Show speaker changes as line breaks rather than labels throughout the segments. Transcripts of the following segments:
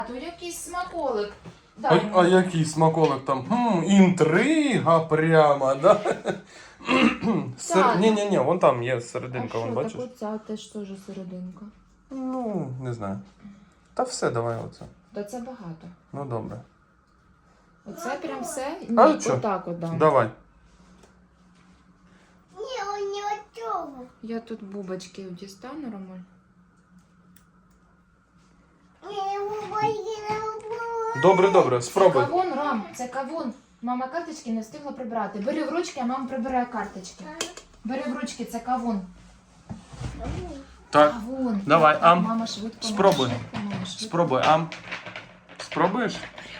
То якийсь смаколик.
А який смаколик там? Інтрига прямо, да? Ні, вон там є серединка, вон бачиш?
Так оця теж теж серединка.
Ну, не знаю. Та все, давай оце.
Та це багато.
Ну, добре.
Оце прям все?
А
Ні,
що?
отак от дам.
Давай.
Ні, он не готовий.
Я тут бубочки дістану, Ромуль.
Я його боюся.
Добре, спробуй.
Це кавун, Ром, це кавун. Мама карточки не встигла прибрати. Бери в ручки, а мама прибирає карточки. Бери в ручки, це кавун.
Так,
Кавун.
давай,
Так,
ам.
Мама швидко.
Спробуй.
Мама швидко.
Спробуй, ам. Спробуєш?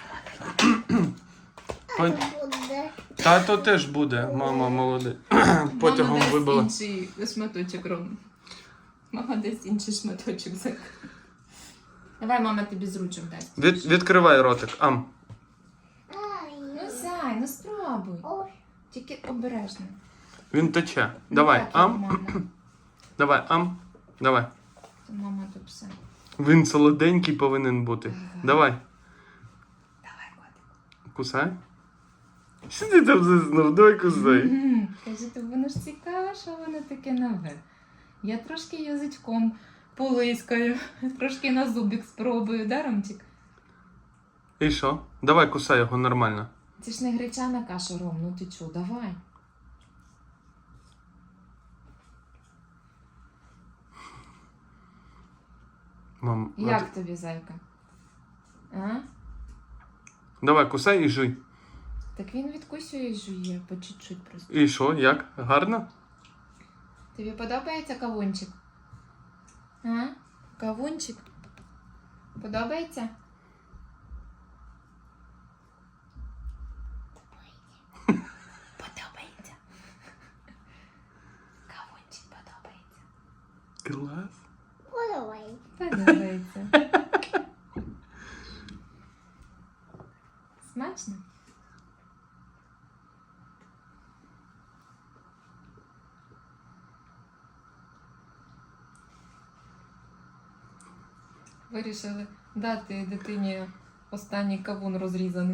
Тато теж буде, мама молодець. Потягом вибила.
Мама дасть інший шматочок, Ром. Мама дасть інший шматочок. Давай, мама тобі з ручок дасть.
Відкривай ротик, ам.
Ну, зай, ну спробуй. Тільки обережно.
Він тече. Давай,
Так,
ам.
нормально.
Давай, ам. Давай.
Це мама тут все.
Він солоденький повинен бути. Давай.
Давай, котик.
Кусай. Що ти там заснув? Давай кусай.
Каже, то воно ж цікаво, що воно таке нове. Я трошки язичком полискаю, трошки на зубик спробую, да, Ромчик?
І що? Давай кусай його нормально.
Це ж не гречана каша, Ром, ну ти чо, давай.
Мам,
Як тобі, зайка? А?
Давай кусай і жуй.
Так він відкусює і жує, по чуть-чуть просто.
І що, як? Гарно?
Тобі подобається кавунчик? А? Кавунчик? Подобається? Подобається. Кавунчик подобається.
Клас.
Подавай.
Подобається. Смачно? Вирішили дати дитині останній кавун розрізаний.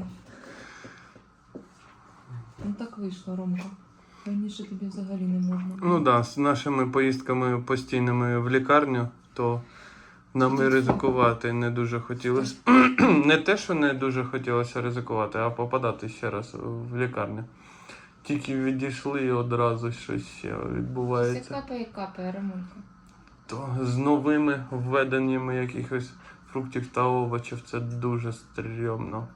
Ну так вийшло, Ромка. Раніше тобі взагалі не можна.
Ну да, з нашими поїздками постійними в лікарню, то нам і ризикувати не дуже хотілося. Не те, що не дуже хотілося ризикувати, а попадати ще раз в лікарню. Тільки відійшли і одразу щось ще
Все
відбувається.
капає, Ромулька.
То з новими введеннями якихось фруктів та овочів це дуже стрьомно.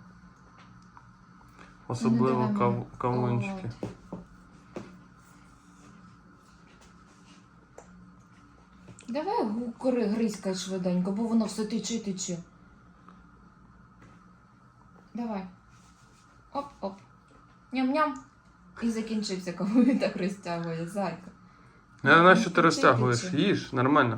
Особливо
Ну, давай,
кавунчики.
Давай гризькай швиденько, бо воно все тече. Давай. Оп-оп. Ням-ням. І закінчився, кого він так розтягує, зайка.
А на що ти
Тече,
розтягуєш?
тече.
Їж, нормально.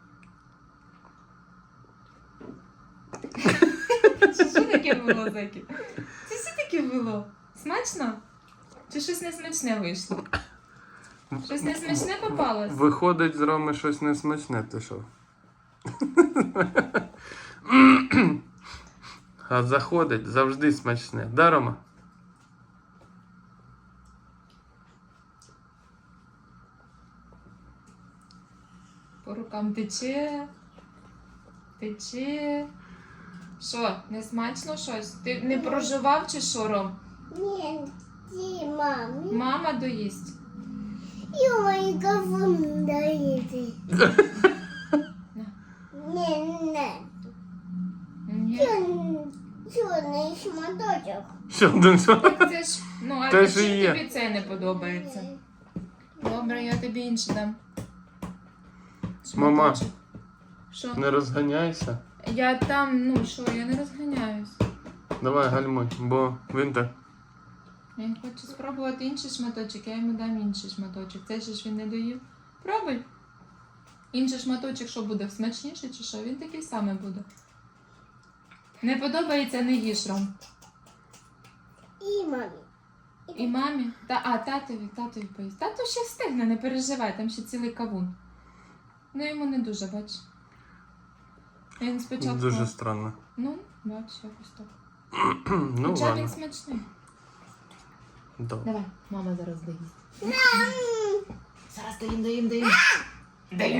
Що таке було, зайки? Це все таке було? Смачно? Чи щось несмачне вийшло? Щось несмачне попалось?
Виходить з Роми щось несмачне, ти що? А заходить завжди смачне. Да, Рома?
По рукам тече. Тече. Що, не смачно щось? Ти не проживав чи що, Ром?
Ні, ті, мамі.
Мама доїсть.
І мої кавун даєте. Не.
Ні.
Чорний шматочок.
Що один що?
Так це ж, ну, а
Те
ти
ж і є.
тобі це не подобається? Добре, я тобі інше дам.
Мама.
Шматочок. Що?
Не розганяйся.
Я там, ну що, я не розганяюсь.
Давай гальмуй, бо він так.
Він хоче спробувати інший шматочок, я йому дам інший шматочок. Цей же ж він не доїв. Пробуй. Інший шматочок, що буде, смачніший чи що? Він такий самий буде. Не подобається, не їж, Ром.
І мамі.
І мамі. Татові поїсть. Тато ще встигне, не переживай, там ще цілий кавун. Ну йому не дуже, бач. Він спочатку...
Дуже странно.
Ну, Бачиш, якось так.
Ну
Хоча він
ладно.
смачний.
Добре.
Давай, мама зараз доїсть.
М.
Зараз доїм.